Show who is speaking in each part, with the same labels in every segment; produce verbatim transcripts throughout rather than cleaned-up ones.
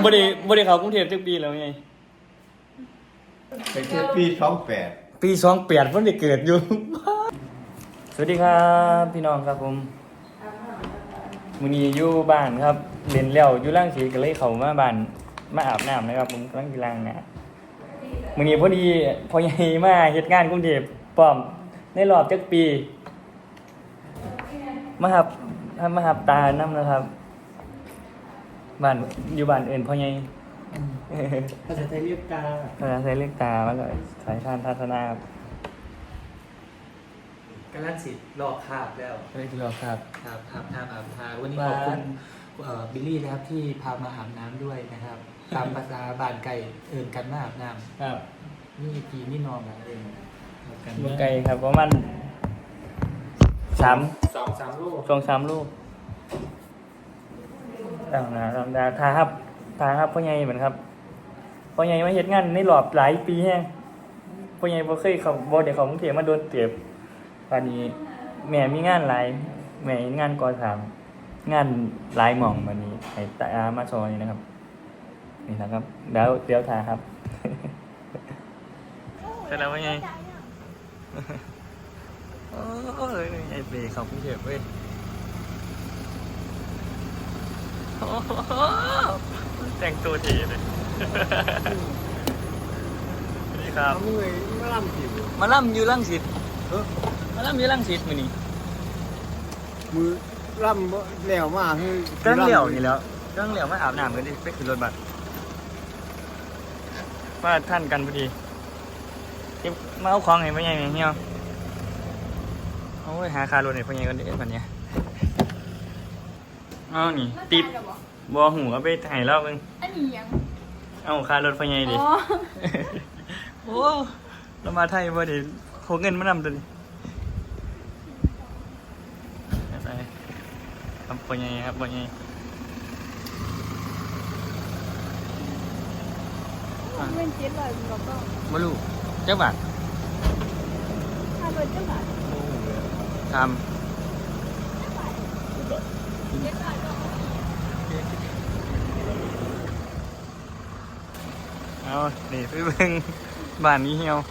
Speaker 1: บ่ได้บ่ได้เข้ากรุงเทพจักปีแล้วไง
Speaker 2: เป็นปีสองแปด
Speaker 1: ปีสองแปดเพิ่นได้เกิดอยู่สวัสดีครับพี่น้องครับผมมื้อนี้อยู่บ้านครับเล่นแล้วอยู่รังสีก็เลยเข้ามาบ้านมาอาบน้ำนะครับผมกำลังสิล้างหน้ามื้อนี้พอดีพ่อใหญ่มาเฮ็ดงานกรุงเทพพร้อมในรอบจักปีมาครับมาหับตานำนะครับบ้านอยู่บ้านอื่นพ่อใหญ่
Speaker 3: ภาษาไทยเรียกตา
Speaker 1: ภาษาไทยเรียกตาแล้วก็สายชาญทัศนาครับ
Speaker 3: กำลังสิรอคาบแล้ว
Speaker 1: เรียกเราครับ
Speaker 3: ครับทำทำอาบทาวันนี้ขอบคุณบิลลี่นะครับที่พามาอาบน้ำด้วยนะครับตามภาษาบ้านไก่เอินกันมาอาบน้ำ
Speaker 1: ครับ
Speaker 3: นี่กีนี่นอนกันเอง
Speaker 1: บุกไก่ครับประมาณสาม
Speaker 3: สองสามลูก
Speaker 1: สองสามลูกต่างนะธรรมดาทาครับทาครับพ่อใหญ่เหมือนครับพ่อใหญ่มาเฮ็ดงานในรอบหลายปีแฮงพ่อใหญ่บ่เคยเข้าบ่ได้เข้ากรุงเทพมาโดนเติบตอนนี้แม่มีงานหลายแม่มีงานก่อสร้างงานหลายหม่องบัดนี้ให้ตามาซอยนะครับนี่นะครับเดี๋ยวเดี๋ยวทาครับเสร็จแล้วพ่อใหญ่โอ้ยไอ้เบย์เข้ากรุงเทพเว้ยแต่งตัวเท่เลยนี่ครับ
Speaker 2: มาล่ำผิว
Speaker 1: มาล่ำอยู่รังสิตมาล่ำอยู่รังสิตมื้อนี้
Speaker 2: มือล่ำแล้วมาคือ
Speaker 1: ตั้งเหลี่ยวนี่แล้วตั้งเหลี่ยวมาอาบน้ำกันดิไปขึ้นรถบัสมาท่านกันพอดีเก็บมาเอาของให้พ่อใหญ่เฮียโอ้ยหาคารถให้พ่อใหญ่กันเด้อบัดเนี้ยเอานี่ติดบ่หูเอาไปให้เราเบิ่ง
Speaker 4: อันนี้ยัง
Speaker 1: เอาค่ารถพ่อใหญ่ดิโอ้เรามาไทยบ่ได้โคเงินมานำตัวนี้ไปครับพ่อใหญ่ครับพ่อใหญ่
Speaker 4: เงินเจ็ดร้อยบอกก็
Speaker 1: บ่รู้จักบาท
Speaker 4: ค่ารถจักบาท
Speaker 1: ทำเอานี่ไปเบิ่งบ้านนี้เหี่ยว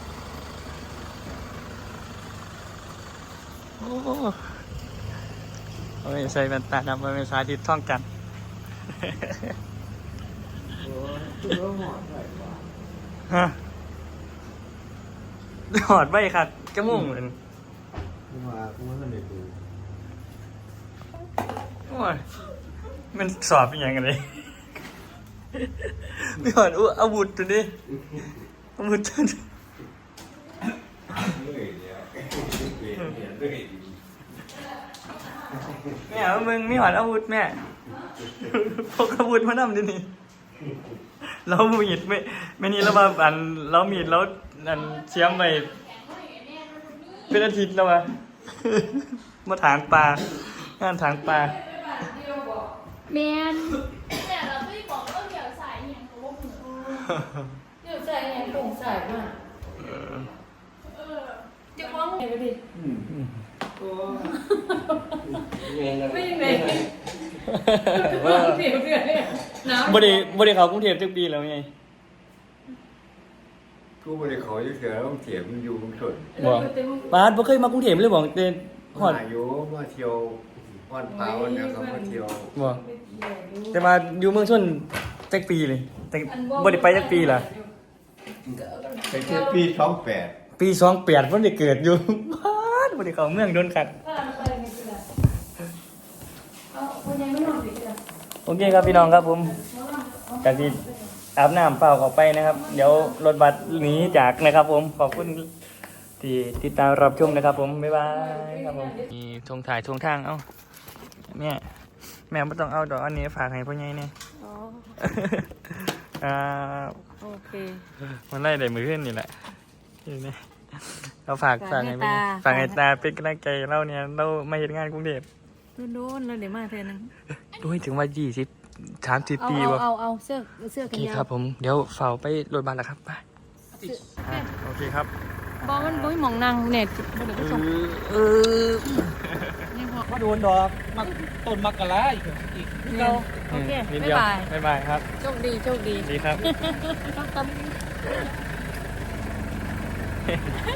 Speaker 1: โอ้โอ้ยใส่แว่นตาดำเป็นสาธิตท่องกันฮะหอดใบค่ะจมูกเหมือน
Speaker 2: กูมากูมาไม่ได้ดู
Speaker 1: โอ้ยมันสอบเป็นยังไงเลยไม่หอดอู้อาวุธตัวนี้อาวุธตัวนี้แม่มึงไม่หอดอาวุธแม่พกอาวุธมานำดินี่เรามีดไม่ไม่นี่เรามาอันเรามีดแล้วอันเชี่ยมไปเป็นอาทิตย์แล้ววะมาถางปลางานถางปลา
Speaker 4: แมนแต่เราไม่บอกว่าเดี๋ยวใส่เนี่ยเขาบอกเดี๋ยวใส่เนี่ยผงใส่มากเออจะมองไงไปดิไม่ยังไงว่าเสียเพื่อนเนี่ยน้ำ
Speaker 1: บ่ได้บ่ได้เข้ากรุงเทพจักปีแล้วไง
Speaker 2: กูไม่ได้ขอยุ่งเสือต้องเสียมันอยู่มึงสน
Speaker 1: บ่ปาดบ่เคยมากรุงเทพเลยบ่เต้น
Speaker 2: ฮอดอยู่มาเที่ยววันเผาเนี่ยเขามาเที่ยว
Speaker 1: บ่แต่มาอยู่เมืองชนจักปีเลยแต่บ่ได้ไปจักปีล่ะ
Speaker 2: เป็นปีสองแปด
Speaker 1: ปีสองแปดเพิ่นได้เกิดอยู่ปาดบ่ได้เข้าเมืองโดนขัดโอเคครับพี่น้องครับผมกะสิอาบน้ำเปล่าเข้าไปนะครับเดี๋ยวรถบัสหนีจากนะครับผมขอบคุณที่ติดตามรับชมนะครับผมบ๊ายบายครับผมมีทงถ่ายทงทางเอ้าแม่แม่ไม่ต้องเอาดอกอันนี้ฝากให้พ่อใหญ่เนี่ยอ๋ออ่า
Speaker 4: โอเค
Speaker 1: มันไล่ได้มือขึ้นนี่แหละนี่เราฝากฝากให้ฝากให้ตาเป็นกำลังใจเราเนี่ยเรามาเห็นงานกรุงเทพ
Speaker 4: โดนๆแล้วเดี๋ยวมาเทนึง
Speaker 1: ด้วยถึงว่ายี่สิบสามสิบปีวะ
Speaker 4: เอาเอาเสื้อเสื้อกันยาว
Speaker 1: ครับผมเดี๋ยวเฝ้าไปรถบัสแล้วครับไปโอเคครับ
Speaker 4: บอมันบ่มองนั่งเน็ตบ่ได้ไปส่ง
Speaker 1: เออ
Speaker 4: นี่พอ
Speaker 3: มาโดนดอกมาต้นมักกะลาอีกอีกนี่เรา
Speaker 4: โอเค
Speaker 1: นิด
Speaker 4: บ๊า
Speaker 1: เดี
Speaker 4: ย
Speaker 1: ยว
Speaker 4: บาย
Speaker 1: บ๊ายบายครับ
Speaker 4: โชคดีโชคดี
Speaker 1: ดีครับ
Speaker 4: ต้อง